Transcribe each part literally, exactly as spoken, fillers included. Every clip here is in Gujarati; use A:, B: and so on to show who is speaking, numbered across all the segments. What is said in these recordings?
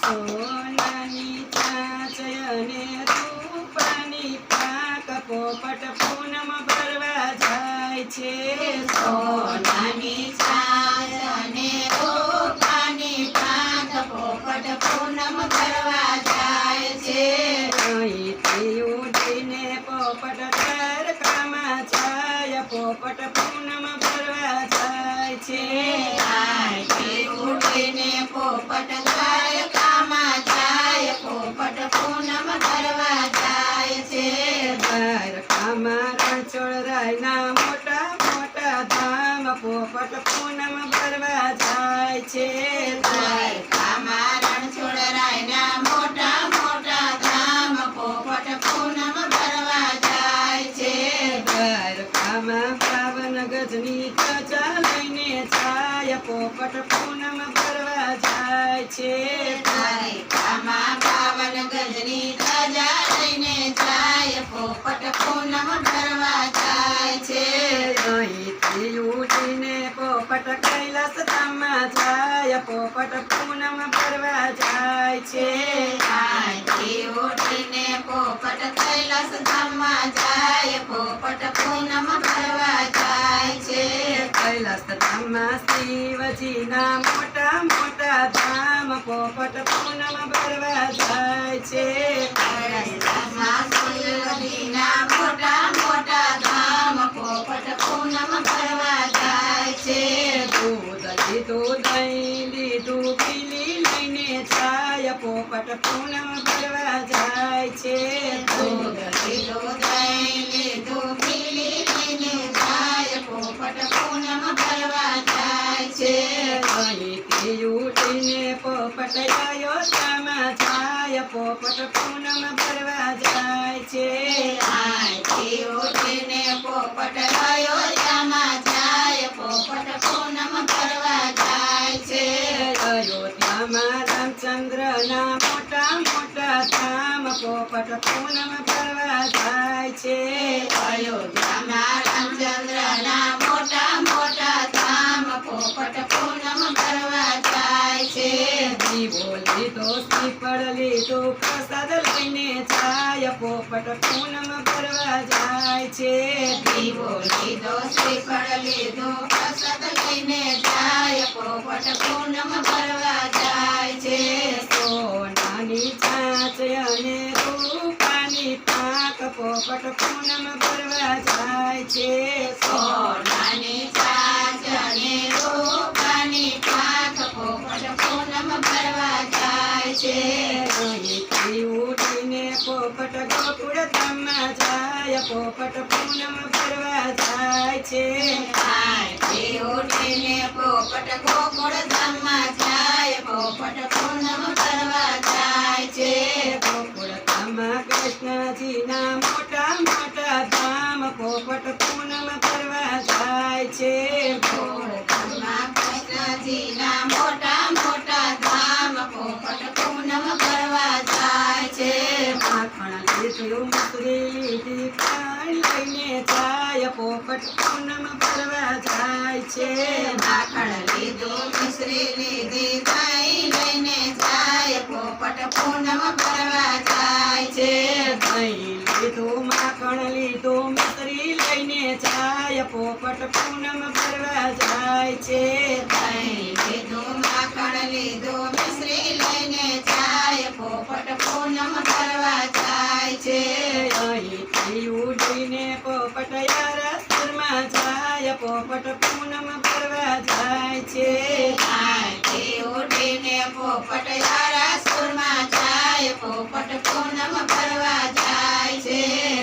A: સોનાની ચાંચયને રૂપાની પાક પોપટ પૂનમ ભરવા જાય છે.
B: સોનાની ચાંચ અને રૂપાની પાક પોપટ પૂનમ ભરવા જાય છે.
A: અહીંથી ઉડીને પોપટ દ્વારકામાં જાય, પોપટ પૂનમ ભરવા જાય છે.
B: અહીંથી ઉડીને પોપટ દ્વારકામાં જાય, પોપટ પૂનમ ભરવા જાય છે.
A: દ્વારકામાં રણછોડરાયના મોટા મોટા ધામ પોપટ પૂનમ ભરવા જાય છે.
B: દ્વારકામાં રણછોડરાયના મોટા મોટા ધામ પોપટ પૂનમ ભરવા જાય છે.
A: દ્વારકામાં બાવન ગજની ધજા લઈને જાય, પોપટ પૂનમ ભરવા જાય છે.
B: દ્વારકામાં બાવન ગજની ધજા લઈને જાય, પોપટ પૂનમ ભરવા જાય છે.
A: અહીંથી ઉડીને પોપટ કૈલાસ ધામમાં જાય, પોપટ પૂનમ ભરવા જાય છે.
B: અહીંથી ઉડીને પોપટ કૈલાસ ધામમાં જાય, પોપટ પૂનમ ભરવા જાય છે.
A: કૈલાસ ધામમાં શિવજીના મોટા મોટા ધામ પોપટ પૂનમ ભરવા જાય છે.
B: કૈલાસમાં શિવજીના મોટા મોટા ધામ પોપટ પૂનમ ભરવા જાય છે.
A: દૂધ લીધું દહીં લીધું પીલી લઈને જાય, પોપટ પૂનમ ભરવા જાય છે.
B: દૂધ લીધું દહીં લીધું પીલી લઈને જાય, પોપટ પૂનમ ભરવા જાય છે.
A: અહીંથી ઉડીને પોપટ અયોધ્યામાં જાય, પોપટ પૂનમ ભરવા જાય છે.
B: અહીંથી ઉડીને પોપટ અયોધ્યામાં જાય, પોપટ પૂનમ ભરવા જાય છે.
A: અયોધ્યામાં રામચંદ્રના મોટા મોટા ધામ પોપટ પૂનમ ભરવા જાય છે.
B: અયોધ્યામાં રામચંદ્રના મોટા મોટા ધામ પોપટ પૂનમ ભરવા જાય છે.
A: દીવો લીધો શ્રીફળ લીધો પ્રસાદ લઈને જાય, પોપટ પૂનમ ભરવા જાય છે.
B: દીવો લીધો શ્રીફળ લીધો પ્રસાદ લઈને જાય, પોપટ પૂનમ ભરવા જાય છે.
A: સોનાની ચાંચ અને રૂપાની પાક પોપટ પૂનમ ભરવા જાય છે.
B: સોનાની ચાંચ અને રૂપાની પાક પોપટ પૂનમ ભરવા જાય છે.
A: અહીંથી ઉડીને પોપટ ગોકુળ ધામમાં જાય, પોપટ પૂનમ ભરવા જાય છે.
B: અહીંથી ઉડીને પોપટ ગોકુળ ધામમાં જાય, પોપટ પૂનમ ભરવા જાય છે.
A: ગોકુળ ધામમાં કૃષ્ણજીના મોટા મોટા ધામ પોપટ પૂનમ ભરવા જાય છે.
B: ગોકુળધામમાં કૃષ્ણજીના મોટા મોટા ધામ પોપટ પૂનમ ભરવા જાય છે.
A: માખણ લીધું મસરી લીધી ખાંડ લઈને જાય, પોપટ પૂનમ ભરવા જાય છે.
B: માખણ લીધું મિશ્રી લીધી દહીં લઈને જાય, પોપટ પૂનમ ભરવા જાય છે.
A: દહીં લીધું માખણ લીધું મિસરી લઈને જાય, પોપટ પૂનમ ભરવા જાય છે.
B: દહીં લીધું માખણ લીધું મિશ્રી લઈને જાય, પોપટ પૂનમ ભરવા જાય છે.
A: અહીંથી ઉડીને પોપટ યારાસુરમાં જાય, પોપટ પૂનમ ભરવા જાય છે.
B: અહીંથી ઉડીને પોપટ યારાસુરમાં જાય, પોપટ પૂનમ ભરવા જાય છે.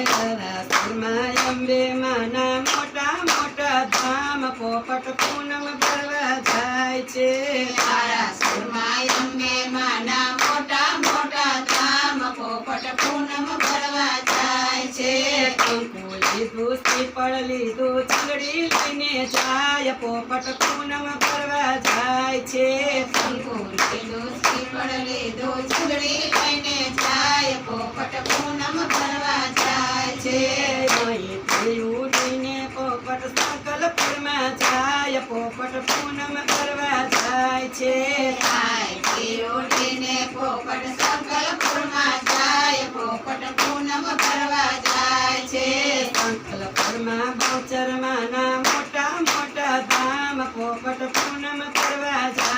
A: યારાસુરમાં અંબે માના મોટા મોટા ધામ પોપટ પૂનમ ભરવા જાય છે.
B: યારાસુરમાં અંબે માના મોટા મોટા ધામ પોપટ પૂનમ ભરવા જાય છે.
A: કંકુ લીધું શ્રીફળ લીધું ચંદડી લઈને જાય, પોપટ પૂનમ ભરવા જાય છે.
B: શંકુ લીધું શ્રીફળ લીધું ચૂંદડી લઈને જાય, પોપટ પૂનમ ભરવા જાય છે.
A: અહીંથી ઉડીને પોપટ સંકલ્પમાં જાય, પોપટ પૂનમ ભરવા જાય છે.
B: અહીંથી ઉડીને પોપટ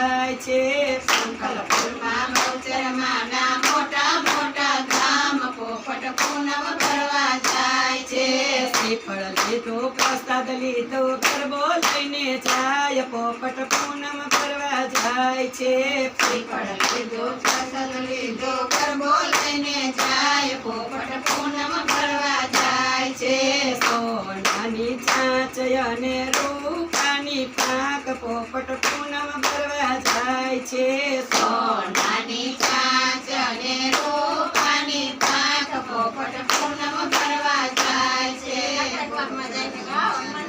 A: જાય છે.
B: સંકલ્પમાં બહુચરમાના મોટા મોટા ધામ પોપટ પૂનમ ભરવા જાય છે.
A: શ્રીફળ લીધો પ્રસાદ લીધો ગરબો લઈને જાય પોપટ પૂનમ ભરવા જાય છે.
B: શ્રીફળ લીધો પ્રસાદ લીધો ગરબો લઈને જાય પોપટ પૂનમ ભરવા જાય છે.
A: સોનાની ચાંચ અને રૂપાની પાક પોપટ પૂનમ ભરવા જાય છે.
B: સોનાની ચાંચ અને રૂપાની પાંખ પોપટ પૂનમ ભરવા જાય છે.